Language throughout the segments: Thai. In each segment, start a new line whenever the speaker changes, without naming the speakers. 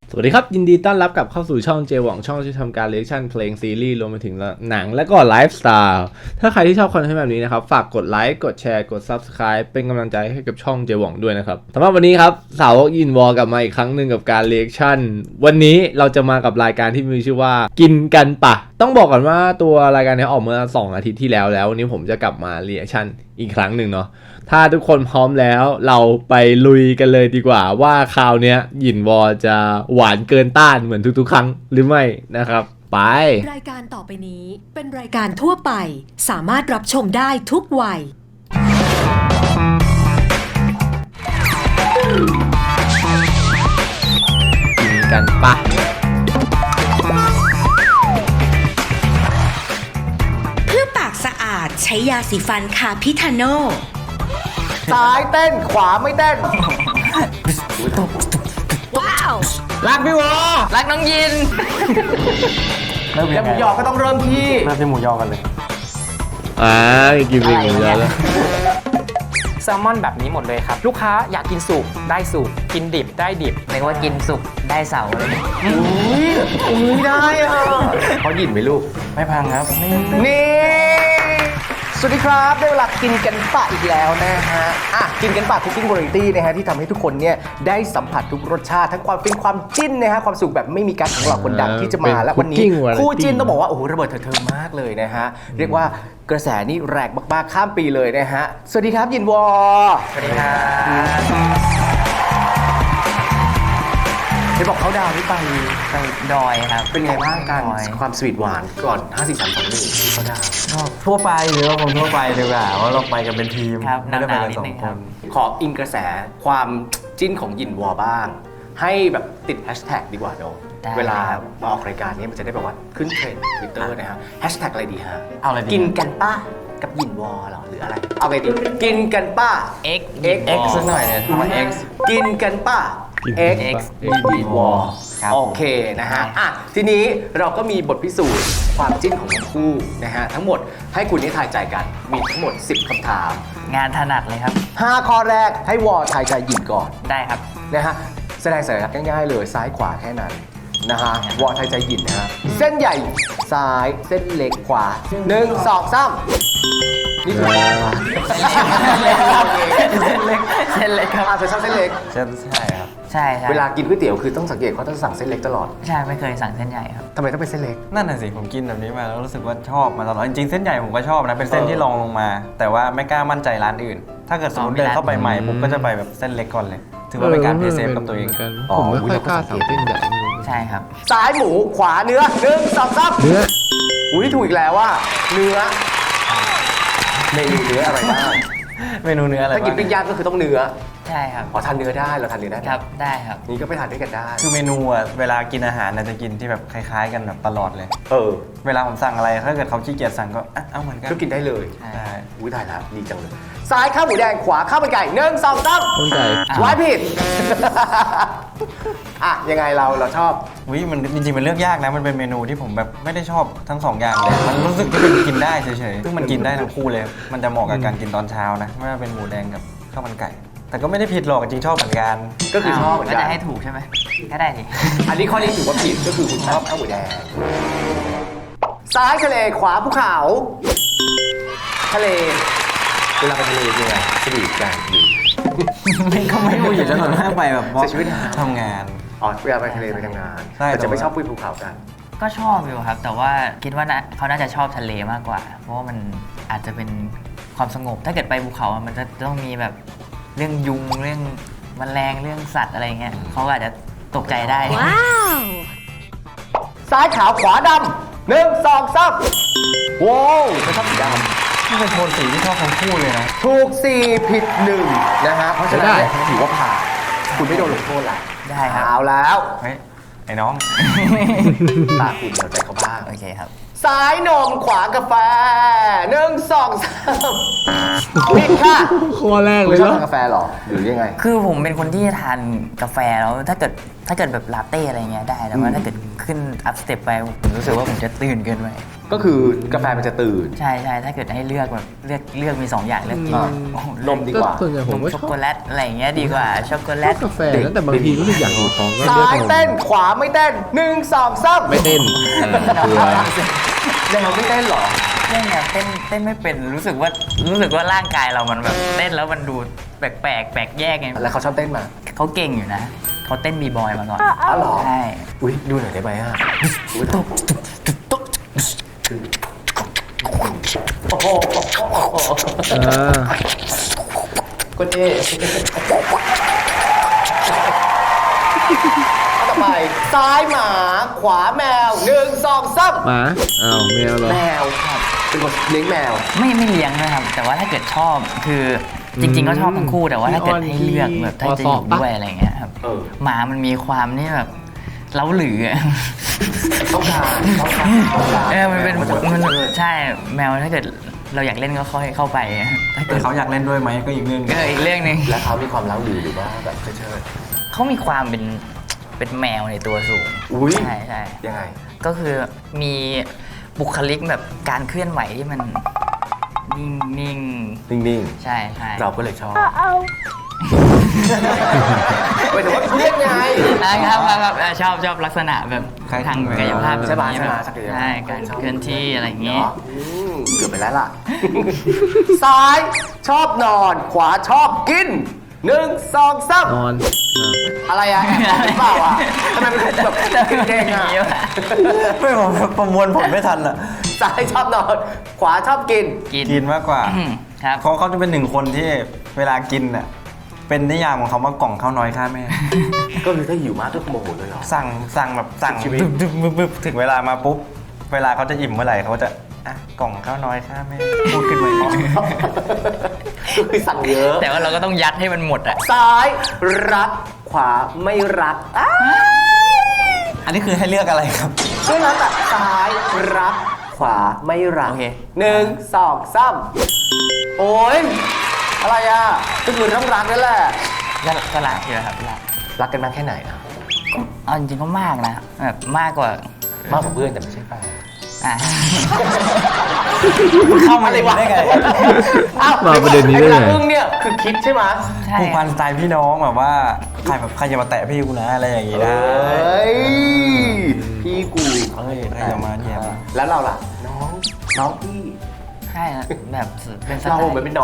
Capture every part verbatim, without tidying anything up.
สวัสดีครับยินดีต้อนรับกลับเข้าสู่ช่องเจหว่องช่องที่ทำการเรียกชั่นเพลงซีรีส์รวมไปถึงหนังและก็ไลฟ์สไตล์ถ้าใครที่ชอบคอนเทนต์แบบนี้นะครับฝากกดไลค์กดแชร์กด ซับสไครบ์ เป็นกำลังใจให้กับช่องเจหว่องด้วยนะครับสำหรับวันนี้ครับสาวกยินวอลกลับมาอีกครั้งหนึ่งกับการเรียกชั่นวันนี้เราจะมากับรายการที่มีชื่อว่ากินกันปะต้องบอกก่อนว่าตัวรายการนี้ออกมาสองอาทิตย์ที่แล้วแล้ววันนี้ผมจะกลับมาเรียกชั่นอีกครั้งหนึ่งเนาะถ้าทุกคนพร้อมแล้วเราไปลุยกันเลยดีกว่าว่าคราวนี้หยินวอจะหวานเกินต้านเหมือนทุกๆครั้งหรือไม่นะครับไป
รายการต่อไปนี้เป็นรายการทั่วไปสามารถรับชมได้ทุกวัย
กินกันปะ
เพื่อปากสะอาดใช้ยาสีฟันคาพิทาโน
ซ้ายเต้นขวาไม่เต้น
ว้าว
รักพี่วอ
รักน้องยิน
เริ่มยังไงหมูยอก็ต้องเริ่มที่
เริ่มที่หมูยอกันเลย
อ่ากินเป็นหมูยอแล้ว
แซลมอนแบบนี้หมดเลยครับลูกค้าอยากกินสุกได้สุกกินดิบได้ดิบเรียกว่ากินสุกได้เสาเลย
อุ้ยอุ้ยได้อ่ะเขาหยินไหมลูก
ไม่พังครับนี่
นี่สวัสดีครับได้เวลากินกันปะอีกแล้วนะฮะอ่ะกินกันปะคุกกิ้งวาไรตี้นะฮะที่ทำให้ทุกคนเนี่ยได้สัมผัสทุกรสชาติทั้งความฟินความจิ้นนะฮะความสุขแบบไม่มีกั๊กของเราคนดังที่จะมาและวันนี้คู่จิ้นต้องบอกว่าโอ้โหระเบิดเถิดเทิงมากเลยนะฮะเรียกว่ากระแสนี่แรงมากๆข้ามปีเลยนะฮะสวัสดีครับยินวอ
สวัสดีครับ
ได้บอกเขาดาวน์ไป
ไปดอยครับ
เป็นไงบ้างกันความสวีทหวานก่อนห้า สี่ สาม สอง หนึ่งที่เขาดาวน์
ทั่วไปหรือว่าผมทั่วไปดีกว่าว่าเราไปกันเป็นทีม
ไม่ได้ไปกันสองคนขออิงกระแสความจิ้นของยินวอบ้างให้แบบติดแฮชแท็กดีกว่าเนาะเวลามาออกรายการนี้มันจะได้แบบว่าขึ้นเทรนด์ทวิตเตอร์นะฮะแฮชแท็กอะไรดีฮะ
เอาอะไรดี
กินกันป้ากับยินวอหรอหรืออะไรเอาไงดีกินกันป้า
x
x
x สักหน่อยเนี่ยทำไม x
กินกันป้า x x ยินวอโอเคนะฮะอ่ะทีนี้เราก็มีบทพิสูจน์ความจิ้นของทั้งคู่นะฮะทั้งหมดให้คุณได้ทายใจกันมีทั้งหมดสิบคำถาม
งานถนัดเลยครับ
ห้าข้อแรกให้วอทายใจยินก่อน
ได้ครับ
นะฮะแสดงสัญลักษณ์ง่ายๆเลยซ้ายขวาแค่นั้นนะฮะวอทายใจยินนะฮะเส้นใหญ่ซ้ายเส้นเล็กขวาหนึ่งสองสามนี่คือ
เส้นเล็กเส้นเล็กครับ
อาจจะชอบเส้นเล็ก
ใช่ใช่ครับใช่
เวลากินก๋วยเตี๋ยวคือต้องสังเกตเขาต้องสั่งเส้นเล็กตลอด
ใช่ไม่เคยสั่งเส้นใหญ่ครับ
ทำไมต้องเป็นเส้นเล็ก
นั่นน่ะสิผมกินแบบนี้มาแล้วรู้สึกว่าชอบมาตลอดจริงๆเส้นใหญ่ผมก็ชอบนะเป็นเส้นที่รองลงมาแต่ว่าไม่กล้ามั่นใจร้านอื่นถ้าเกิดสมมติเดินเข้าไปใหม่ผมก็จะไปแบบเส้นเล็กก่อนเลยถือว่าเป็นการเพย์เซฟกับตัวเอง
ผมไม่ค่อยกล้าสั่งเส้นใหญ่
ใช่ครับ
ซ้ายหมูขวาเนื้อหนึ่งสองสาม
เนื้อ
อุ้ยถูกอีกแล้วว่าเนื้อเมนูเนื้ออะไรบ้าง
เมนูเนื้ออะไร
ถ้ากินปิ้งย่างก็คือต้องเนื้อ
ใช่ครับ
อ๋อทานเนื้อได้เราทานเนื้อได้
ครับได้ครับ
นี่ก็ไปทานด้วยกันได้
คือเมนูอ่ะเวลากินอาหารจะกินที่แบบคล้ายๆกันแบบตลอดเลย
เออ
เวลาผมสั่งอะไรถ้าเกิดเขาขี้เกียจสั่งก็เอาเหมือนกัน
ก็กินได้เลย
ใช่
อุ้ยตายแล้วดีจังเลยซ้ายข้าวหมูแดงขวาข้าวมันไก่หนึ่งสองสาม
ข้าวมันไก่
ไว้ผิดอ่ะยังไงเราเราชอบ
วิมันจริงๆมันเลือกยากนะมันเป็นเมนูที่ผมแบบไม่ได้ชอบทั้งสองอย่างเลยมันรู้สึกที่มันกินได้เฉยๆซึ่งมันกินได้ทั้งคู่เลยมันจะเหมาะกับการกินตอนเช้านะไม่ว่าเป็นหมูแดงกับข้าวมันไก่แต่ก็ไม่ได้ผิดหรอกจริงชอบเหมือนกัน
ก็คือชอบเหมือนกัน
ก็จะให้ถูกใช่ไหมก็ได้ดิ
อันนี้ข้อนี้ถือว่าผิดก็คือคุณชอบข้าวหมูแดงซ้ายทะเลขวาภูเขาทะเลเวลาไปทะเลเนี่ยสวีทกันอยู่
ไม่ก็ไม่พูดอยู่แล้วส่วนมากไปแบบ
เสียชีวิต
ทำงาน
อ๋อเวลาไปทะเลไปทำงานแต่จะไม่ชอบพูดภูเขากัน
ก็ชอบอยู่ครับแต่ว่าคิดว่าเขาน่าจะชอบทะเลมากกว่าเพราะว่ามันอาจจะเป็นความสงบถ้าเกิดไปภูเขามันจะต้องมีแบบเรื่องยุงเรื่องแมลงเรื่องสัตว์อะไรเงี้ยเขาอาจจะตกใจได้
ว้าว
ซ้ายขาวขวาดำหนึ่งสองสามว้าวไม่ชอบสีดำ
นี่เป็นโทนสีที่ชอบทั้งคู่เลยนะ
ถูกสี่ผิดหนึ่งนะฮะเพราะฉะนั้นถือว่าผ่านคุณไม่โดนลงโทษละ
ได้ครับ
เอาแล้ว
เฮ้ยไอ้น้อง
ตาคุณเอาใจเขาบ้าง
โอเคครับ
ซ้ายนมขวากาแฟหนึ่งสองสามผิดค่ะ
ข้อแรกเลย
ชอบทานกาแฟหรอหรือยังไง
คือผมเป็นคนที่ทานกาแฟแล้วถ้าเกิดถ้าเกิดแบบลาเต้อะไรเงี้ยได้แต่ว่าถ้าเกิดขึ้นอัพสเต็ปไปผมรู้สึกว่าผมจะตื่นเกินไป
ก็คือกาแฟมันจะตื่น
ใช่ใช่ถ้าเกิดให้เลือกแบบเลือกเลือกมีสองอย่างเลือกกิน
อ่า
โอ้โห
นมดีกว่า
ส่วนใหญ่ผม
นม
ก็ช
ช็อก
อบ
โกแลตอะไรอย่างเงี้ยดีกว่าช็อกโกแลต
กาแฟนะแต่บางทีรู้สึกอยากอยู่ท้องก็
ซ้า
เลือก
ย
นม
เต้นขวาไม่เต้นหนึ่งสองสาม
ไม่เต้นเออเบื่อ
แนวไม่เต้นเหรอ
เต้นเนี่ยเต้นเต้นไม่เป็นรู้สึกว่ารู้สึกว่าร่างกายเรามันแบบเต้นแล้วมันดูแปลกแปลกแปลกแยกไง
แล้วเขาชอบเต้นมา
เขาเก่งอยู่นะเขาเต้นบีบอยมาก่อน
อ๋อเหรอ
ใช่
อุ้ยดูหน่อยได้ไหมอ่ะอุ๊ยตบโอ้โห
อ่า
ก็เท่ต่อไปซ้ายหมาขวาแมวหนึ่งสองสาม
หมาอ้าวแมวเหรอ
แมวครับเป็นคนเลี้ยงแมว
ไม่ไม่เลี้ยงนะครับ แต่ว่าถ้าเกิดชอบคือจริง ๆ ก็ชอบทั้งคู่แต่ว่าถ้าเกิดให้เลือกแบบถ้าจะอยู่ด้วยอะไรเงี้ยครับ
เออ
หมามันมีความนี่แบบเล้าหลืออะ
ต้องการต้องการต้องการ
เออมันเป็นมันใช่แมวถ้าเกิดเราอยากเล่นก็ค่อยเข้าไปถ้า
แต่
เกิด
เขาอยากเล่นด้วยไหมก็อีกเรื่องหนึ่ง
ก็อีกเรื่องหนึ่ง
แล้วเขามีความเล้าหรือหรือว่าแบบเชิด
เขามีความเป็นเป็นแมวในตัวสูง
อุ๊ย
ใช่ใช่
ๆยังไง
ก็คือมีบุคลิกแบบการเคลื่อนไหวที่มันนิ่งนิ่ง
นิ่ง
ใช่ใช่
ๆ เราก็เลยชอบหมายถึงว่าเรียกไง
นะครับครับครับเออชอบชอบลักษณะแบบทางกายภาพแบบ
ใช่ปะ
นี้
ใช่
แบ
ปะ
บ
ศักยภาพ
ใช่การเคลื่อนที่อะไรอย่างงี้
เนาะอืมเกือบไปแล้วล่ะ ซ้ายชอบนอน ขวาชอบกินหนึ่งสองสาม
นอนอ่ะ
อะไรอะแอบบอกหรือเปล่าอะทำไมเป็นแบบเก่งๆอะ
ไม่ผมประมวลผลไม่ทันอ่ะ
ซ้ายชอบนอน ขวาชอบกิน
กิน
กินมากกว่า
อืมครับ
เขาเขาจะเป็นหนึ่งคนที่เวลากินอ่ะเป็นนิยามของเขาว่ากล่องข้าวน้อยค่าแม่
ก็คือถ้าหิวมากก็โมโหเลยเหรอ
สั่งสั่งแบบสั่ง
ชีวิต
บึ๊บบึ๊บบึ๊บบึ๊บถึงเวลามาปุ๊บเวลาเขาจะอิ่มเมื่อไหร่เขาจะอ่ะกล่องข้าวน้อยค่าแม่พูดขึ้นมาอีก
ก็คือสั่งเยอะ
แต่ว่าเราก็ต้องยัดให้มันหมดอ่ะ
ซ้ายรัก ขวาไม่รักอ้า
อันนี้คือให้เลือกอะไรครับ
ช่วยรักอะซ้ายรัก ขวาไม่รัก
โอเค
หนึ่งสองสามโอ้ยอะไรอ่ะก็คือต้องรักนั่นแหละ
ก็ก็รักอยู่ครับรัก
รักกันมากแค่ไหนอะ
เอาจริงๆก็มากนะแบบมากกว่าม
ากกว่าเพื่อนแต่ไม่ใช่แฟน
อ่ะ
เข้ามาเลยได้ไง
อ้าว
มาประเด็นนี้ได้ไง
อ้วลาอึ้งเนี่ยคือคิดใช่ไหม
ใช่
ผูกพันสไตล์พี่น้องแบบว่าใครแบบใครจะมาแตะพี่กูนะอะไรอย่างงี้
เอ
นะ
้ยพี่กู
เอ้ยใครจะมาเนี่ยมา
แล้วเราล่ะ น้องน้องพี่
ใช่นะแบบเป็นสไต
เรา
ล์
เหมือนเป็นน้อง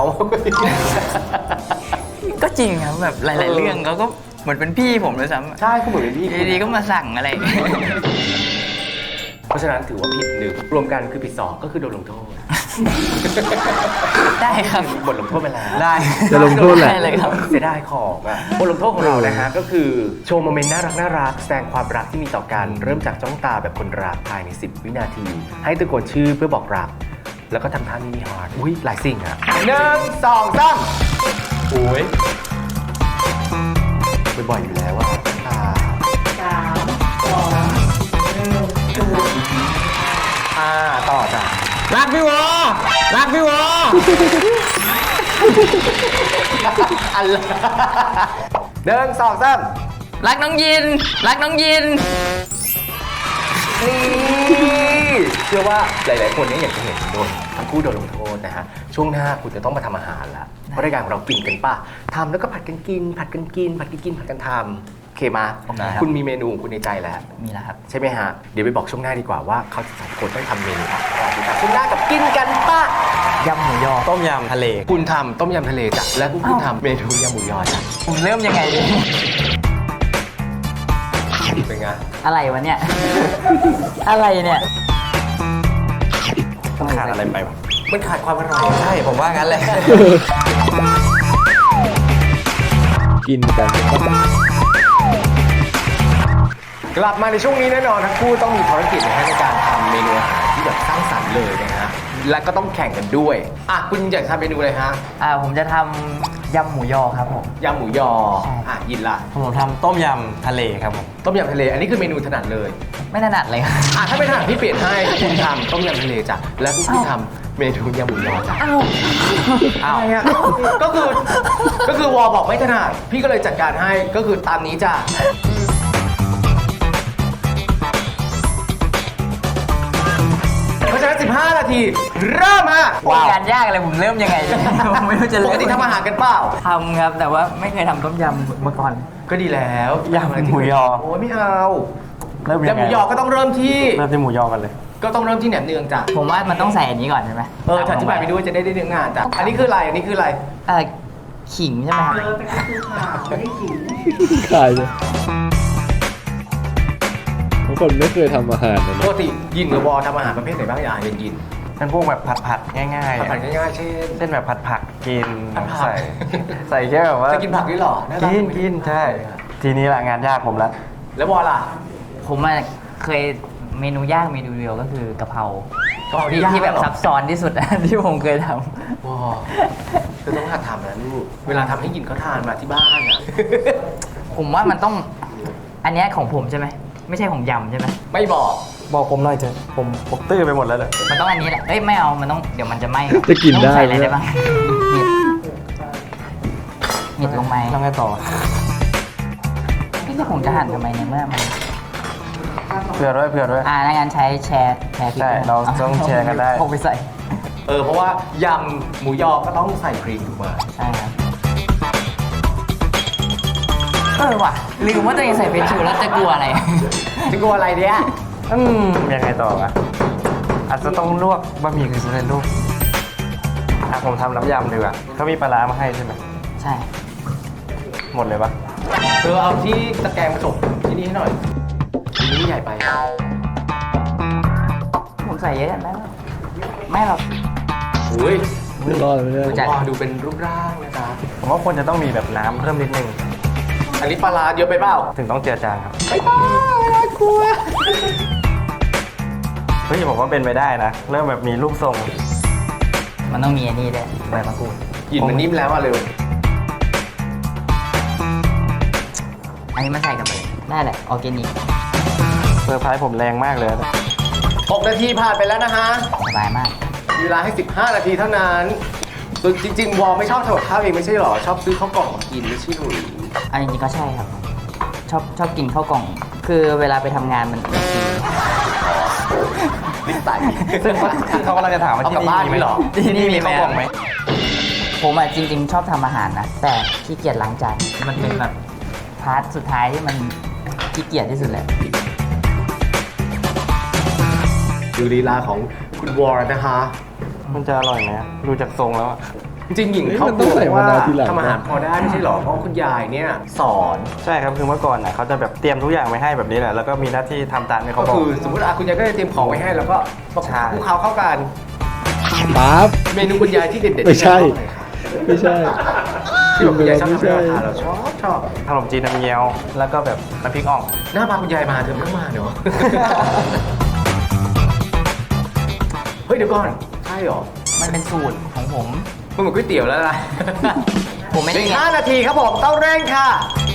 ก็จริงครับแบบหลาย ๆ เรื่องเขาก็เหมือนเป็นพี่ผมเลยซ้ำ
ใช่ก็เหมือนเป็นพี่
ดีๆก็มาสั่งอะไรอย่างเงี้ย
เพราะฉะนั้นถือว่าผิดหนึ่งรวมกันคือผิดสองก็คือโดนลงโทษ
ได้ครับ
บทลงโทษไปแล้ว
ได้
จะลงโทษแหละ
ได้เลยครับ
เสียดายของอ่ะบทลงโทษของเรานะฮะก็คือโชว์โมเมนต์น่ารักน่ารักแสดงความรักที่มีต่อกันเริ่มจากจ้องตาแบบคนรักภายในสิบวินาที ให้ตะโกนชื่อเพื่อบอกรัก แล้วก็ทำท่ามินิฮาร์ดอุ้ยหลายสิ่งอ่ะหนึ่งสองสามโอ้ยบ่อยๆอยู่แล้วว่าสามสองหนึ่งอ่าต่อจ้ะ
รักพี่วอรักพี่วอ
อันละหนึ่งสองสาม
รักน้องยิน รักน้องยิน
นี่เชื่อว่าหลาย ๆ คนเนี่ยอยากจะเห็นโดนทั้งคู่โดนลงโทษนะฮะช่วงหน้าคุณจะต้องมาทำอาหารละเพราะรายการของเรากินกันป่ะทำแล้วก็ผัดกันกิน ผัดกันกิน ผัดกันกินผัดกันทำโอเคมา
โอเคครับ
คุณมีเมนูของคุณในใจแล้ว
มีแล้วครับ
ใช่ไหมฮะเดี๋ยวไปบอกช่วงหน้าดีกว่าว่าเขาจะสองคนต้องทำเมนูอะไรดีครับช่วงหน้ากับกินกันป่ะ
ยำหมูยอต้มยำทะเล
คุณทำต้มยำทะเลจ้ะและคุณทำเมนูยำหมูยอจ้ะ
ผมเริ่มยังไงดี
เป็นไง
อะไรวะเนี่ย อะไรเนี่ย
ขาดอะไรไปวะ
มันขาดความอร่อย
ใช่ผมว่างั้นแหละ
กินกัน
กลับมาในช่วงนี้แน่นอนทั้งคู่ต้องมีภารกิจนะฮะในการทำเมนูอาหารที่แบบสร้างสรรค์เลยนะฮะและก็ต้องแข่งกันด้วยอ่ะคุณอยากทำเมนูอะไรฮะ
อ่าผมจะทำยำหมูยอครับผม
ยำหมูยอ
ใช่
อ่ะยินละ
ผมทำต้มยำทะเลครับผม
ต้มยำทะเล อันนี้คือเมนูถนัดเลย
ไม่ถนัดเลยครับ
อ่ะถ้าไม่ถนัดพี่เปลี่ยนให้คุณทำต้มยำทะเลจ้ะและคุณทำเมนูยำหมูยอจ้ะ
อ้าว
อ้าวก็คือก็คือวอบอกไม่ถนัดพี่ก็เลยจัดการให้ก็คือตามนี้จ้ะเพราะฉะนั้นสิบห้านาทีเริ่มฮะ
งานยากอะไรผมเริ่มยังไงเนี่ยผมไม่รู้จะ
ป
เริ่
ก
ม
ติทำอาหารกันเปล่า
ทำครับ แต่ว่าไม่เคยทำต้มยำมาก่อน
ก็ดีแล้ว
ยำหมูยอ
โอ้ยไม่เอา
เริ่ม
ยำ
ยัง
ห
ไง
มูยอก็ต้องเริ่มที่
เริ่มที่หมูยอกันเลย
ก็ต้องเริ่มที่แหนมเนืองจ้ะ
ผมว่ามันต้องใส่อันนี้ก่อนใช่ไหม
เอออธิบายไปด้วยจะได้ได้เนื้องานจ้ะอันนี้คืออะไรอันนี้คืออะไร
เออขิงใช่ไหมครับ
ขายเลยบางคนไม่เคยทำอาหารนะ
ปกติยินกับวอทำอาหารประเภทไหนบ้างอย่างยินยิน
เป็นพวกแบบผัดผัดๆง่ายๆ
ผัด
อะ
ผัดง่ายๆเช่น
เช่นแบบผัดผักกิน
ผัดผัก
ใส่ ใส่แค่แบบว่า
จะกินผักด้วยเหรอน่ารั
กินกินใช่ ทีนี้แหละงานยากผมละ
แล้ววอล่ะ
ผมอะเคยเมนูยากเมนูเดียวก็คือกะเพราก
ะเพราที่
ที่
ยาก
ที่แบบ
เหรอ
ซับซ้อนที่สุด ที่ผมเคยท
วอคือต้องหัดทำนะลูกเวลาทำให้ยินเขาทานมาที่บ้านอ่ะ
ำผมว่ามันต้องอันเนี้ยของผมใช่ไหมไม่ใช่ของยำใช่ไหม
ไม่บอก
บอกผมหน่อยเถอะผมผมตื้อไปหมดแล้วเลย
มันต้องอันนี้แหละเอ้ยไม่เอามันต้องเดี๋ยวมันจะไหม้
จะกินได้
ต้องใส่อะไร
ไหม
ได้บ้างเห็ดเห็ดลงไป
แล้วไงต่อ
นี่จะผมจะหั่นทำไมเนี่ยเมื่อมัน
เผื่อด้วยเผื่อด้วย
อ่าในงานใช้แชร์แชร์พริก
ใช่
ด้วย
เราต้องแชร์กันได้
พกไปใส่
เออเพราะว่ายำหมูยอก็ต้องใส่ครีมถูกไหม
ใช่ครับเออว่ะลืมว่าตัวเองใส่เฟรนช์ชูแล้วจะกลัวอะไร
จะกลัวอะไรเนี่ย
อืมยังไงต่ออะอาจจะต้องลวกบะหมี่กึ่งสำเร็จรูปอ่ะผมทำน้ำยำดีกว่าเขามีปลาร้ามาให้ใช่ไหม
ใช่
หมดเลยปะ
เออเอาที่ตะแกรงผสมที่นี่ให้หน่อยอันนี้ใหญ่ไปอะ
ผมใส่เยอะไหมไม่หรอก
อุ้ย
ไม่รอดไม่ได้
รู้จัก
วอดูเป็นรูปร่างนะจ๊ะ
ผมว่าควรจะต้องมีแบบน้ำเพิ่มนิดนึง
อันนี้ปลาร้าเยอะไปเปล่า
ถึงต้องเจือจางครับ
ไม่ต้องกลัว
เฮ้ยผมว่าเป็นไปได้นะ เริ่มแบบมีรูปทรง
มันต้องมีอันนี้ด้วยใบมะกรูด
กลิ่นมันนิ่มแล้วอ่ะเร็ว
อันนี้มันใส่กันไปได้แหละออร์แกนิก
เซอร์ไพรส์ผมแรงมากเลยนะ
หกนาทีผ่านไปแล้วนะฮะ
สบายมาก
มีเวลาให้สิบห้านาทีเท่านั้นส่วนจริงๆ วอลไม่ชอบทำกับข้าวเองไม่ใช่หรอ ชอบซื้อข้าวกล่องมากินไม่ใช่หรือ
อันนี้ก็ใช่ครับ ชอบชอบกินข้าวกล่อง คือเวลาไปทำงานมันมันกิน
ลิ้นไต
ซึ่งเขาซึ่งเขากำลังจะถามว่า
เอา
ที่
กลับ
นี่
บ้าน
มีไหม
ไม่หรอ
ที่นี่มีข้าวกล่องไหม
ผมอ่ะจริง ๆ ชอบทำอาหารนะ แต่ขี้เกียจล้างจาน มันเป็นแบบพาร์ทสุดท้ายที่มันขี้เกียจที่สุดแหละ
ดูลีลาของคุณวอลนะคะ
มันจะอร่อยไหมดูจากทรงแล้วอะ
จริงๆหญิง
เฮ้ย
เขา
มันต้องใส่มะนาวทีหลัง
ทำอาหารพอได้ไม่ใช่หรอ เพราะคุณยายเนี่ยสอน
ใช่ครับคือเมื่อก่อนน่ะเขาจะแบบเตรียมทุกอย่างไว้ให้แบบนี้แหละแล้วก็มีหน้าที่ทำตามที่เขา
ก็
บอก
คือสมมติอาคุณยายก็จะเตรียมของไว้ให้แล้วก็มา
ใช่
คลุกเคล้าเข้ากัน
ปั๊บ
เมนูคุณยายที่เด็ดๆ
ไม่ใช่
ที่ชอบอะไรคะ
ไม่ใช่
ที่แบบคุณยายชอบทำให้เรา
ไม่ใช่
ทานเราชอบชอบ
ขนมจีนน้ำเงี้ยวแล้วก็แบบน้ำพริกอ่อง
หน้าพาคุณยายมาเธอไม่ต้องมาเนอะ เฮ้ยเดี๋ยวก่อน ใช่เหรอ
มันเป็นสูตรของผม
มันเหมือนก๋วยเตี๋ยวแล้วนะ
ผมไม่ได้
อีกห้านาทีครับผมต้องเร่งค่ะ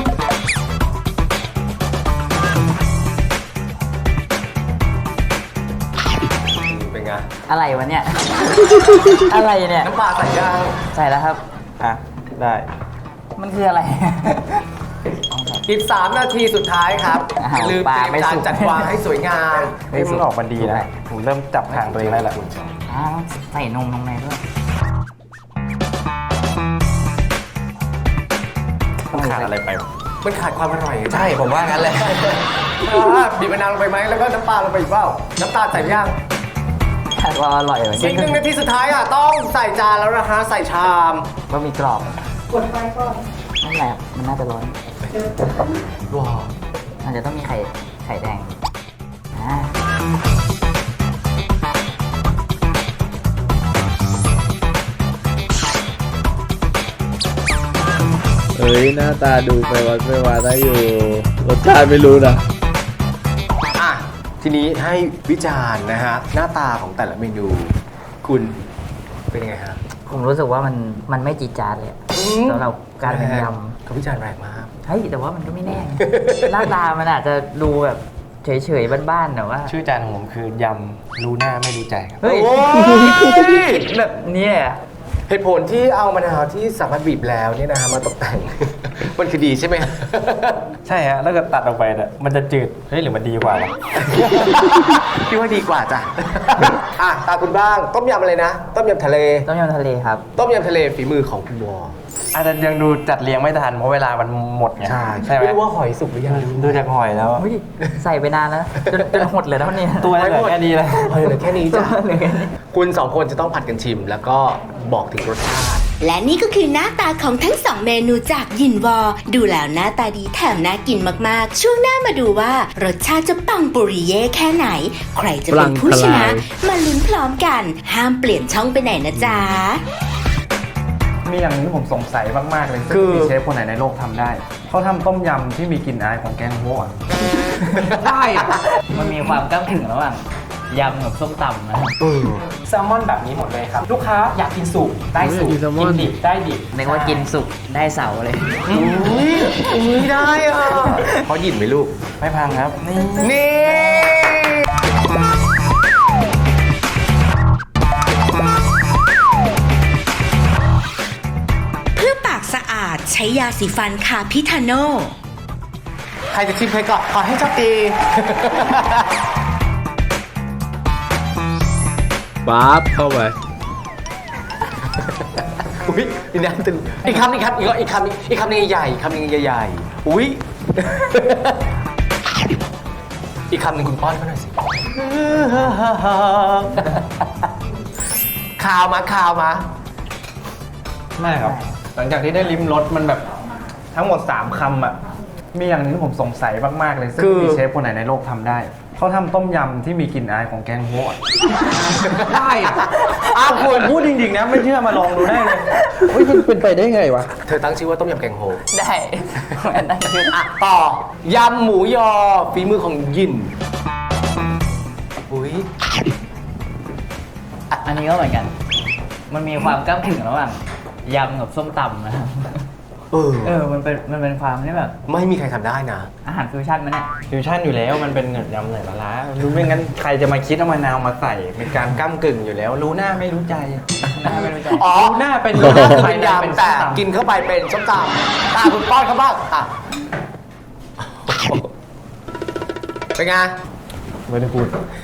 เป็นไง
อะไรวะเนี่ย อะไรเนี่ย
น้ำปลาใส่ย่าง
ใส่แล้วครับ
อ่ะได้
มันคืออะไร
อีกสามนาทีสุดท้ายครับ
อ้าว
ลืม
ปลา
เตรียม
ไม่
จาน
สุก
จัดวางให้สวยงาม
เฮ้ยมันออกมาดีนะผมเริ่มจับทางตัวเองได้แล้ว
อ้าวใส่นมลงในด้วย
ต้องขาดอะไรไปวะ
มันขาดความอร่อย
ใช่ผมว่างั้นเลย
อ่าบีบมะนาวลงไปไหมแล้วก็น้ำปลาลงไปอีกเปล่าน้ำตาลใส่ย่าง
คาดว่าอร่อยเลย
อีกหนึ่งนาทีสุดท้ายอ่ะต้องใส่จานแล้วนะฮะใส่ชาม
บะหมี่กรอบกดไฟก่อนนั่นแหละมันน่าจะร้อน
ว้าว
มันจะต้องมีไข่ไข่แดงอ่า
เอ้ยหน้าตาดูไปวัดไปวาได้อยู่รสชาติไม่รู้นะ
อ่ะทีนี้ให้วิจารณ์นะฮะหน้าตาของแต่ละเมนู คุณเป็นยังไงฮะ
ผมรู้สึกว่ามันมันไม่จีดจาดเลยอะสำหรับการเป็นย
เขาวิจารณ์แรงมาก
ำเฮ้ยแต่ว่ามันก็ไม่แน่ หน้าตามันอาจจะดูแบบเฉยๆบ้านๆแต่ว่า
ชื่อจานของผมคือยำรู้หน้าไม่รู้ใจครับ
เฮ้ย
โอ้ย
แบบนี้เลยอะ
เหตุผลที่เอามะนาวที่สามารถบีบแล้วเนี่ยนะฮะมาตกแต่ง มันคือดีใช่ไหม
ใช่ฮะแล้วก็ตัดออกไปเนี่ยมันจะจืดเฮ้ยหรือมันดีกว่าวะ
พี่ว่าดีกว่าจ้ะ อ่ะตาคุณบ้างต้มยำอะไรนะ ต้มยำทะเล
ต้มยำทะเลครับ
ต้มยำทะเลฝีมือของคุณวอ
อาจจะยังดูจัดเรียงไม่ทันเพราะเวลามันหมดไงใช่ไหม
ไม่รู้ว่าหอยสุกหรือยัง
ดูจากหอยแล้ว
ใส่ไปนานแล้วจนจนหดเลยแล้วเนี่ย
ตัวเหลือแค่นี้เลย
หอยเหลือแค่นี้จ้ะคุณสองคนจะต้องผัดกันชิม แล้วก็บอกถึงรสชาติ
และนี่ก็คือหน้าตาของทั้งสองเมนูจากยินวอ ดูแล้วหน้าตาดีแถมน่ากินมากๆ ช่วงหน้ามาดูว่ารสชาติจะปังปุริเย่แค่ไหน ใครจะเป็นผู้ชนะ มาลุ้นพร้อมกัน ห้ามเปลี่ยนช่องไปไหนนะจ๊ะ
มีอย่างหนึงที่ผมสงสัยมากๆเลย
คือ
มีเชฟคนไหนในโลกทำได้เขาทำต้มยำที่มีกลิ่นอายของแกงโฮะอะ
ได้อะ
มันมีความก้ำถึงระหว่างยำกับส้มตำนะ
เออ
แซลมอนแบบนี้หมดเลยครับ ลูกค้าอยากกินสุกได้สุก
อยากกินแซลมอน
กินดิบได้ดิบ
นึกว่ากินสุกได้เสาเลย
อุ้ยอุ้ยได้อ่ะเพราะหยินไหมลูก
ไม่พังครับนี่
นี่
เพื่อปากสะอาดใช้ยาสีฟันคาพิทาโน
ใครจะชิมใครก่อนขอให้โชอบดี
ปั๊บเข้าไป
อุ้ยนี่นะตึงอีกคำอีกคำอีกอีกคำอีกคำหนึงใหญ่ๆคำหนึงใหญ่ๆอุ้ย อีกคำหนึ่งคุณป้อนเขาหน่อยสิ ข่าวมาข่าวมา
ไม่ครับ หลังจากที่ได้ลิ้มรสมันแบบทั้งหมดสามคำอ่ะมีอย่างหนึงที่ผมสงสัยมากๆเลยซึ่ง
คือ
มีเชฟคนไหนในโลกทำได้เขาทำต้มยำที่มีกลิ่นอายของแกงโฮะอะ
ได้อะ
อ้าวคุณพูดจริงๆนะไม่เชื่อมาลองดูได้เลยเฮ้ยมันเป็นไปได้ไงวะ
เธอตั้งชื่อว่าต้มยำแกงโฮ
ได้นั่นคือ
อ่ะต่อยำหมูยอฝีมือของยินอุ้ย
อันนี้ก็เหมือนกัน มันมีความก้ำถึงระหว่างยำกับส้มตำนะครับ
เออ
เออ มันเป็น มันเป็นความที่แบบ
ไม่มีใครทำได้นะ
อาหารฟิวชั่นมันเนี่ย
ฟิวชั่นอยู่แล้วมันเป็นเงินยำไหนละล้ารู้ไม่งั้นใครจะมาคิดเอามะนาวมาใส่เป็นการก้ากึ่งอยู่แล้ว รู้หน้าไม่รู้ใจ
หน้าไม่รู้ใจ
อ๋อ
รู้หน้าเป็น
รู้หน้า
ภา
เป็น
ใน
ยำแต่กินเข้าไปเป็นส้มตำตาคุณป้อนเขาบ้างอ่ะเป็นไง
ไม่ได้พูด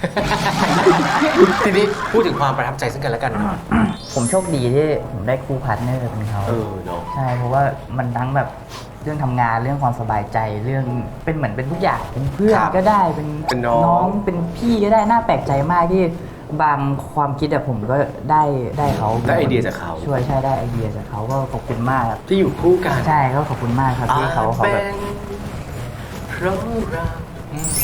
ทีนี้พูดถึงความประทับใจซึ่งกันและกันหน่อย
ผมโชคดีที่ผมได้คู่พาร์ทเนอร์เป็นเขา
เออเนาะ
ใช่ เพราะว่ามันทั้งแบบเรื่องทำงานเรื่องความสบายใจเรื่องเป็นเหมือนเป็นทุกอย่างเป็นเพื่อนก็ได้เป็น
เป็นน้อง
เป็นพี่ก็ได้น่าแปลกใจมากที่บางความคิดอะผมก็ได้ได้เขา
ได้ไอเดียจากเขา
ช่วยใช่ได้ไอเดียจากเขาก็ขอบคุณมากครับ
ที่อยู่คู่กัน
ใช่ก็ขอบคุณมากครับที่เขาเขา
เป็
แบบ
นเพราะเราอืม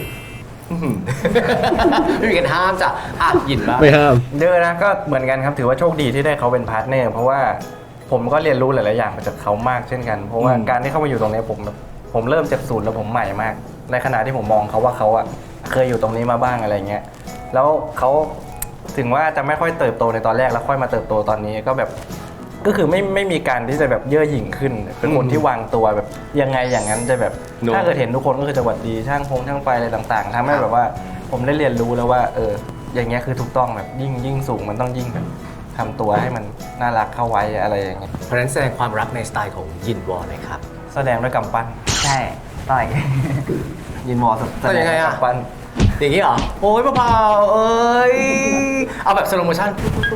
ไม่มีกันห้ามจ้ะอ่ะหยินบ้าง
ไม่ห้าม
เด้อนะก็เหมือนกันครับถือว่าโชคดีที่ได้เขาเป็นพาร์ทเนอร์เพราะว่าผมก็เรียนรู้หลาย ๆ อย่างมาจากเขามากเช่นกัน เพราะว่า
อืม
การที่เข้ามาอยู่ตรงนี้ผมแบบผมเริ่มจากศูนย์แล้วผมใหม่มาก ในขณะที่ผมมองเขาว่าเขาอะเคยอยู่ตรงนี้มาบ้างอะไรเงี้ยแล้วเขาถึงว่าจะไม่ค่อยเติบโตในตอนแรกแล้วค่อยมาเติบโตตอนนี้ก็แบบก็คือไม่ไม่มีการที่จะแบบเย่อหยิ่งขึ้น เป็นคนที่วางตัวแบบยังไงอย่างนั้นจะแบบ
เนอะ
ถ้าเกิดเห็นทุกคนก็คือจะหวัดดีช่างพงช่างไฟอะไรต่าง ๆทำให้แบบว่าผมได้เรียนรู้แล้วว่า เออ อย่างเงี้ยคือถูกต้องแบบยิ่งยิ่งสูงมันต้องยิ่งแบบทำตัวให้มันน่ารักเข้าไว้อะไรอย่างเงี้ย
เพราะฉะนั้นแสดงความรักในสไตล์ของยินวอลเลยครับ
แสดงด้วยกำปั้น
ใช่ต่อย
ยินวอลแสดงด้วยกำปั้น
อย่างนี้เหรอ โอ้ยเบาๆเอ้ย เอาแบบสโลโมชั่น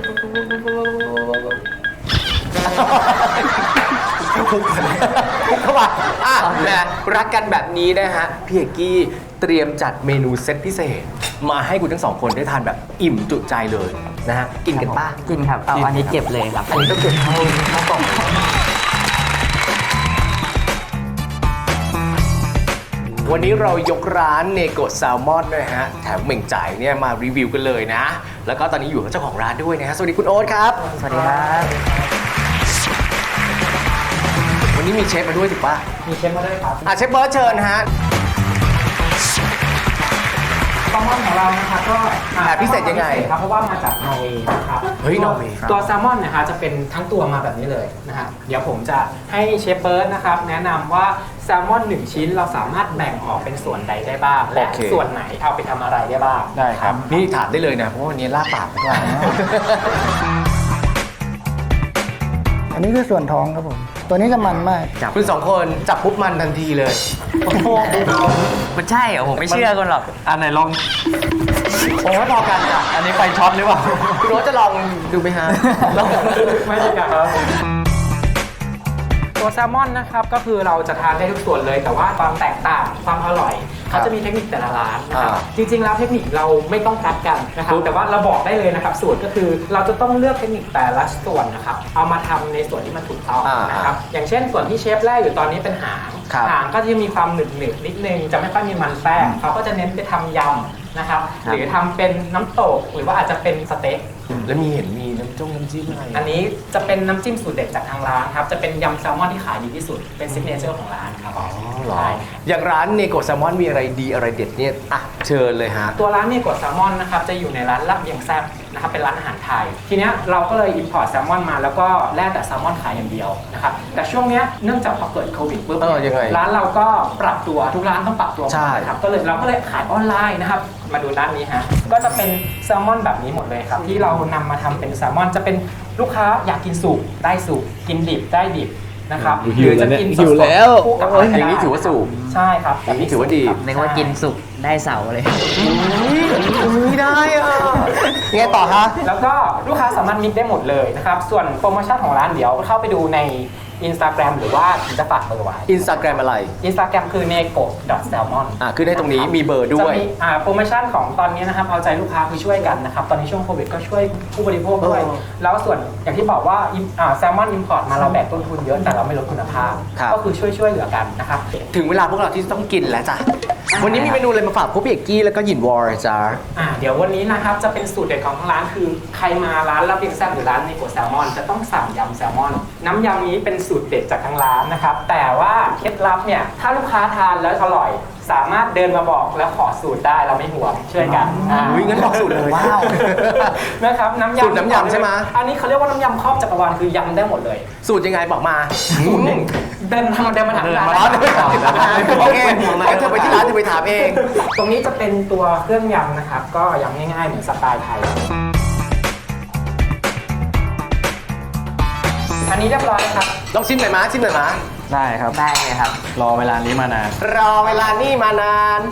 คุกเข้ามาอ่ะแหมรักกันแบบนี้นะฮะ พี่เอกกี้เตรียมจัดเมนูเซตพิเศษ มาให้คุณทั้งสองคนได้ทานแบบอิ่มจุใจเลยนะฮะ กินกันป้า
กินครับ เอาอันนี้เก็บเลยครับ
อันนี้ต้องเก็บเข้าเข้ากล่อง วันนี้เรายกร้านเนโกะแซลมอนด้วยฮะ แถมเหม่งจ่ายเนี่ยมารีวิวกันเลยนะ แล้วก็ตอนนี้อยู่กับเจ้าของร้านด้วยนะฮะ สวัสดีคุณโอ๊ตครับ
สวัสดีครับ
วันนี้มีเชฟมาด้วยถูกป่ะ
มีเชฟมาด้วยครับ
อ่ะเชฟเบิร์ดเชิญฮะ
แซลมอนของเรานะคะก็อ่า
แบบพิเศษยังไง
พิเศษครับเพราะว่ามาจากนอร์เวย์นะครับ
เฮ้ย
ตัวน
อร์เวย์ครับ
ตัวแซลมอนนะคะจะเป็นทั้งตัวมาแบบนี้เลยนะฮะเดี๋ยวผมจะให้เชฟเบิร์ดนะครับแนะนำว่าแซลมอนหนึ่งชิ้นเราสามารถแบ่งออกเป็นส่วนใดได้บ้างและ
โอเค
ส่วนไหนเอาไปทำอะไรได้บ้าง
ได้ครับ
นี่ถามได้เลยนะ เพราะว่าวันนี้ลาปากมาก
นนี้คือส่วนท้องครับผม ตัวนี้จะมันมาก
คุณสองคนจับปุ๊บมันทันทีเลย
มันใช่เหรอผมไม่เชื่อคนหรอก
อันไหนลอง
โอ้พอกันอ่ะ
อันนี้ไฟช็อตหรือเปล่า
คุณโรสจะลองดูไหมฮะลอง
ไม่ใช่ครับตัวแซลมอนนะครับก็คือเราจะทานได้ทุกส่วนเลย แต่ว่าความแตกต่างความอร่อยเขาจะมีเทคนิคแต่ละร้านนะครับจริงๆแล้วเทคนิคเราไม่ต้องกัดกันนะครับแต่ว่าเราบอกได้เลยนะครับสูตรก็คือเราจะต้องเลือกเทคนิคแต่ละส่วนนะครับเอามาทำในส่วนที่มันถูกต้องนะครับอย่างเช่นส่วนที่เชฟแรกอยู่ตอนนี้เป็นหางหางก็จะมีความหนึบหนึบนิดนึงจะไม่ค่อยมีมันแป้งเขาก็จะเน้นไปทำยำนะครับหรือทำเป็นน้ำตกหรือว่าอาจจะเป็นสเต็ก
แล้วมีเห็นมีน้ำจ้งน้ำจิ้มอะไร
อันนี้จะเป็นน้ำจิ้มสูตรเด็ดจากทางร้านครับจะเป็นยำแซลมอนที่ขายดีที่สุดเป็นซิกเนเจอร์ของร้านครับ
อ๋อเหรอ
ใช่
อย่างร้านเนโกะแซลมอนมีอะไรดีอะไรเด็ดเนี่ยอ่ะเชิญเลยฮะ
ตัวร้านเนโกะแซลมอนนะครับจะอยู่ในร้านลาบเลียงแซ่บนะครับเป็นร้านอาหารไทย ทีเนี้ยเราก็เลยอินพอร์ตแซลมอนมาแล้วก็แล่แต่แซลมอนขายอย่างเดียวนะครับแต่ช่วงเนี้ยเนื่องจากพอเกิดโควิดปุ๊บ
เออยังไง
ร้านเราก็ปรับตัวทุกร้านต้องปรับตัว
ใช่
ครับก็เลยเราก็เลยขายออนไลน์นะครับมาดูด้านนี้ฮะก็จะเป็นแซลมอนแบบนี้หมดเลยครับที่เรานำมาทำเป็นแซลมอนจะเป็นลูกค้าอยากกินสุกได้สุกกินดิบได้ดิบนะครับ
หิวแล้วเนี่ยหิวแล้ว
คู่กับอะไรก็ได้
อย่างนี้ถือว่าสุก
ใช่ครับ
อย่างนี้ถือว่าดี
ครับ
นึกว่ากินสุกได้เสาเลย
ไม่ได้อ่ะยังไงต่อฮะ
แล้วก็ลูกค้าสามารถมิกได้หมดเลยนะครับ ส่วนโปรโมชั่นของร้านเดี๋ยวเข้าไปดูใน Instagram หรือว่าจะฝากเบอร์ไว้
อินสตาแกรมอะไร
Instagram คือ nego.salmon
อ่ะขึ้นให้ตรงนี้มีเบอร์ด้วย
จะมีอ่าโปรโมชั่นของตอนนี้นะครับเอาใจลูกค้าคือช่วยกันนะครับ ตอนนี้ช่วงโควิดก็ช่วยผู้บริโภคด้วย
เออ
แล้วส่วนอย่างที่บอกว่าแซลมอนอิมพอร์ตมาเราแบกต้นทุนเยอะแต่เราไม่ลดคุณภาพ
ครับ
ก็คือช่วยช่วยเหลือกันนะครับ
ถึงเวลาพวกเราที่ต้องกินแล้วจ้ะ วันนี้มีเมนูอะไรมาฝากพวกพี่เอกกี้แล้วก็หยินวอร์จ้า
อ่าเดี๋ยววันนี้นะครับจะเป็นสูตรเด็ดของทางร้านคือใครมาร้านลาบเลียงแซ่บหรือร้านเนโกะแซลมอนจะต้องสั่งยำแซลมอน น้ำยำนี้เป็นสูตรเด็ดจากทางร้านนะครับแต่ว่าเคล็ดลับเนี่ยถ้าลูกค้าทานแล้วอร่อย สามารถเดินมาบอกแล้วขอสูตรได้เราไม่ห่วงช่วยกันอ่า
อุ๊ยงั้นบอกสูตรเลยว้าว
นะครับน้ำยำ
สูตรน้ำยำใช่ไหม
อันนี้เขาเรียกว่าน้ำยำครอบจักรวาลคือยำได้หมดเลย
สูตรยังไงบอกมา
สูตรหนึ่งเดินทางเดินมาถามร้าน
อ๋อเดินมาถามร้านโอเคงั้นเธอไปที่ร้านเธอไปถามเอง
ตรงนี้จะเป็นตัวเครื่องยำนะครับก็ยำง่ายๆเหมือนสไตล์ไทยอันนี้เรียบร้อยครับ
ลองชิมหน่อยมาชิมหน่อยมา
ได้ครับ
ได้เลยครับ
รอเวลานี้มานาน
รอเวลานี่มานาน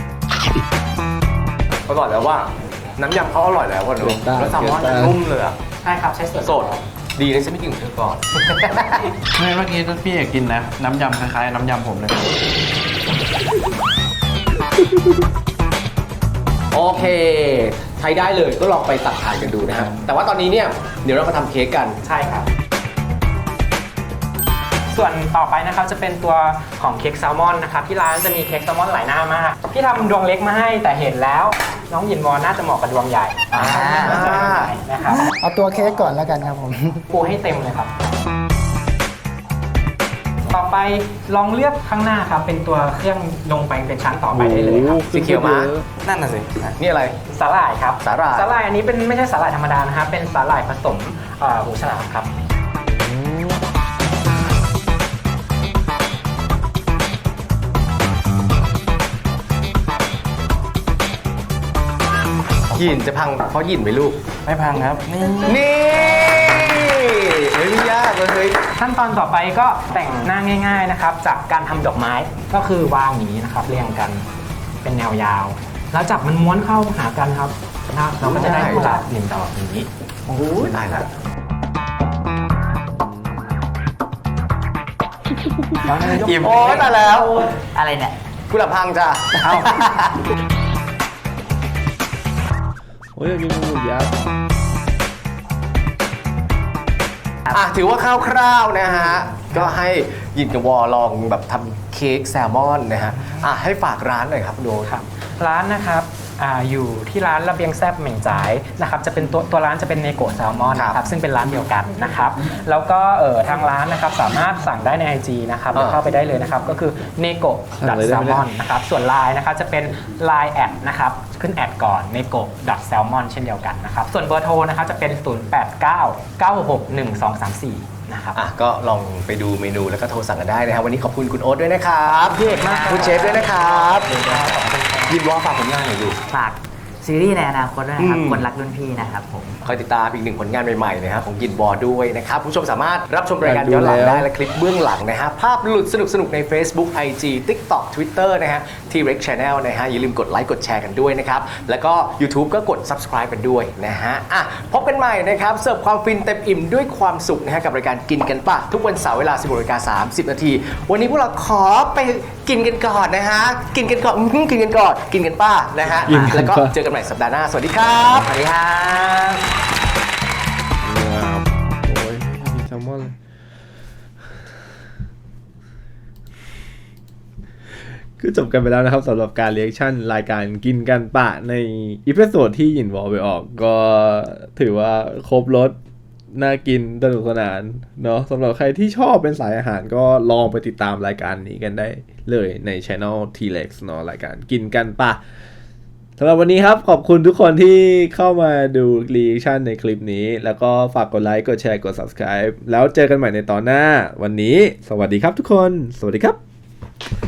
อร่อยแล้วว่า น้ำยำเขาอร่อยแล้วว่ะเนอะ
เกินต้าน
แล้วแซลมอน
เกินต้าน
นุ่มเลยอะ
ใช่ครับใช้ส่วน
สดดีนะฉันไม่กินของเธอก่อน
ไม่เมื่อกี้พี่เอกกินนะ น้ำยำคล้ายๆน้ำยำผมเลย
โอเคใช้ได้เลยก็ลองไปตัดทานกันดูนะครับแต่ว่าตอนนี้เนี่ยเดี๋ยวเรามาทำเค้กกัน
ใช่ครับ ส่วนต่อไปนะครับจะเป็นตัวของเค้กแซลมอนนะครับที่ร้านจะมีเค้กแซลมอนหลายหน้ามากพี่ทำดวงเล็กมาให้แต่เห็นแล้วน้องยินวอนน่าจะเหมาะกับดวงใหญ่
อ่า
นะครับ
เอาตัวเค้กก่อนแล้วกันครับผม
ปูให้เต็มเลยครับ ต่อไปลองเลือกข้างหน้าครับเป็นตัวเครื่องลงไปเป็นชั้นต่อไปได้เลยครับ
สีเขียวมา
นั่นน่ะสิ
นี่อะไร
สาหร่ายครับ
สาหร่าย
สาหร่ายอันนี้เป็นไม่ใช่สาหร่ายธรรมดานะครับเป็นสาหร่ายผสมเอ่อหูฉลามครับ
หยินจะพังเพราะหยินไหมลูก
ไม่พังครับ นี่
นี่เฮ้ยไม่ยากเลยเฮ้ย
ขั้นตอนต่อไปก็แต่งหน้าง่าย ๆนะครับ จากการทำดอกไม้ก็คือวางอย่างนี้นะครับเรียงกันเป็นแนวยาว แล้วจับมันม้วนเข้าหากันครับนะครับเราก็จะได้กุหลาบหนึ่งดอกอย่างนี้
โอ้โหได้แล้ว
อิ่ม
โอ้ยตายแล้ว
อะไรเนี่ย
กุหลาบพังจ้ะ
เอ้า
โอ้ยอยากกินหมูยักษ์
อ่ะถือว่าคร่าวๆนะฮะ ก็ให้หยินกับวอลองแบบทำเค้กแซลมอนนะฮะ อ่ะให้ฝากร้านหน่อยครับคุณโด
ครับร้านนะครับอาอยู่ที่ร้านระเบียงแซบเหม่งจ่ายนะครับจะเป็นตัวตัวร้านจะเป็นเนโกะแซลมอนนะครับซึ่งเป็นร้านเดียวกันนะครับแล้วก็เอ่อทางร้านนะครับสามารถสั่งได้ใน ไอ จี นะครับเข้าไปได้เลยนะครับก็คือ เนโกะ แซลมอน นะครับส่วน ไลน์ นะครับจะเป็น ไลน์ แอดนะครับขึ้นแอดก่อน เนโกะ แซลมอน เช่นเดียวกันนะครับส่วนเบอร์โทรนะครับจะเป็น ศูนย์ แปด เก้า เก้า หก หนึ่ง สอง สาม สี่ นะครับ
อ่ะก็ลองไปดูเมนูแล้วก็โทรสั่งกันได้นะครับวันนี้ขอบคุณคุณโอ๊ตด้วยนะครับ
พี่เอกมากครับ
คุณเชฟด้วยนะครับยินวอฝากผลงานหน่อยดู
ฝากซีรีส์ในอนาคตด้วยนะครับ
อืม
คนรักรุ่นพี่นะครับผม
คอยติดตามอีกหนึ่งผลงานใหม่ๆนะครับของยินวอร์ด้วยนะครับคุณผู้ชมสามารถรับชมรายการย้อนหลังได้และคลิปเบื้องหลังนะฮะภาพหลุดสนุกๆใน Facebook ไอ จี TikTok Twitter นะฮะ T-Rex Channel นะฮะอย่าลืมกดไลค์กดแชร์กันด้วยนะครับแล้วก็ YouTube ก็กด Subscribe กันด้วยนะฮะอ่ะพบกันใหม่นะครับเสิร์ฟความฟินเต็มอิ่มด้วยความสุขนะฮะกับรายการกินกันปะทุกวันเสาร์เวลา สิบหกนาฬิกาสามสิบนาทีวันนี้พวกเราขอไปกินกันก่อนนะฮะกินกันก่อนอื้อหือกินกันก่อนกินกันป้านะฮะ
กินกัน
แล้วก็
ป่ะ
เจอกันใหม่สัปดาห์หน้าสวัสดีครับสวัสดีครับ
โอ้ยมีแซลมอนเลยคือจบกันไปแล้วนะครับสำหรับการเรีแอคชั่นรายการกินกันปะในอีพิโซดที่หยินวอลไปออกก็ถือว่าครบรสน่ากินสนุกสนานเนาะสำหรับใครที่ชอบเป็นสายอาหารก็ลองไปติดตามรายการนี้กันได้เลยใน Channel T-Rex เนาะรายการกินกันปะสำหรับวันนี้ครับขอบคุณทุกคนที่เข้ามาดูรีแอคชั่นในคลิปนี้แล้วก็ฝากกดไลค์กดแชร์กด Subscribe แล้วเจอกันใหม่ในตอนหน้าวันนี้สวัสดีครับทุกคนสวัสดีครับ